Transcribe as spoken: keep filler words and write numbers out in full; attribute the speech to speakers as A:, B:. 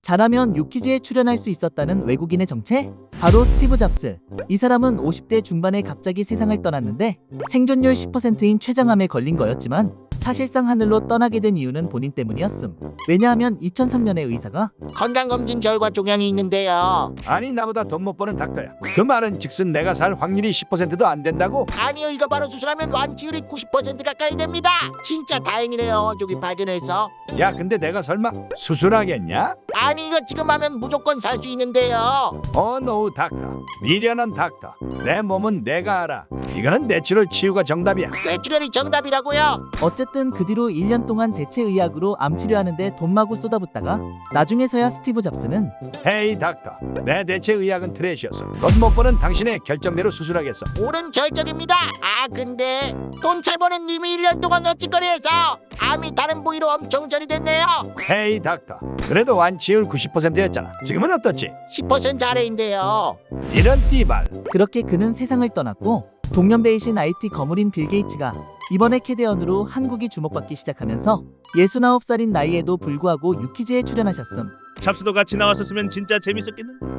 A: 잘하면 유퀴즈에 출연할 수 있었다는 외국인의 정체? 바로 스티브 잡스. 이 사람은 오십 대 중반에 갑자기 세상을 떠났는데 생존율 십 퍼센트인 췌장암에 걸린 거였지만 사실상 하늘로 떠나게 된 이유는 본인 때문이었음. 왜냐하면 이천삼 년에 의사가
B: 건강검진 결과 종양이 있는데요.
C: 아니 나보다 돈 못 버는 닥터야. 그 말은 즉슨 내가 살 확률이 십 퍼센트도 안 된다고?
B: 아니요, 이거 바로 수술하면 완치율이 구십 퍼센트 가까이 됩니다. 진짜 다행이네요, 저기 발견해서.
C: 야 근데 내가 설마 수술하겠냐?
B: 아니, 이거 지금 하면 무조건 살 수 있는데요.
C: 어 노우 닥터, 미련한 닥터. 내 몸은 내가 알아. 이거는 내추럴 치유가 정답이야.
B: 뇌출혈이 정답이라고요?
A: 어쨌든 그 뒤로 일 년 동안 대체 의학으로 암 치료하는데 돈 마구 쏟아붓다가 나중에서야 스티브 잡스는
C: 헤이 닥터, 내 대체 의학은 트래시였어. 돈 못 버는 당신의 결정대로 수술하겠어.
B: 옳은 결정입니다. 아, 근데 돈 잘 버는 님이 일 년 동안 어찌거리해서 암이 다른 부위로 엄청 전이 됐네요.
C: 헤이 닥터, 그래도 완치율 구십 퍼센트였잖아. 지금은 어떻지?
B: 십 퍼센트 아래인데요.
C: 이런 띠발.
A: 그렇게 그는 세상을 떠났고 동년배이신 아이티 거물인 빌 게이츠가 이번에 캐대언으로 한국이 주목받기 시작하면서 예순아홉 살인 나이에도 불구하고 유퀴즈에 출연하셨음.
D: 잡스도 같이 나왔었으면 진짜 재밌었겠는데.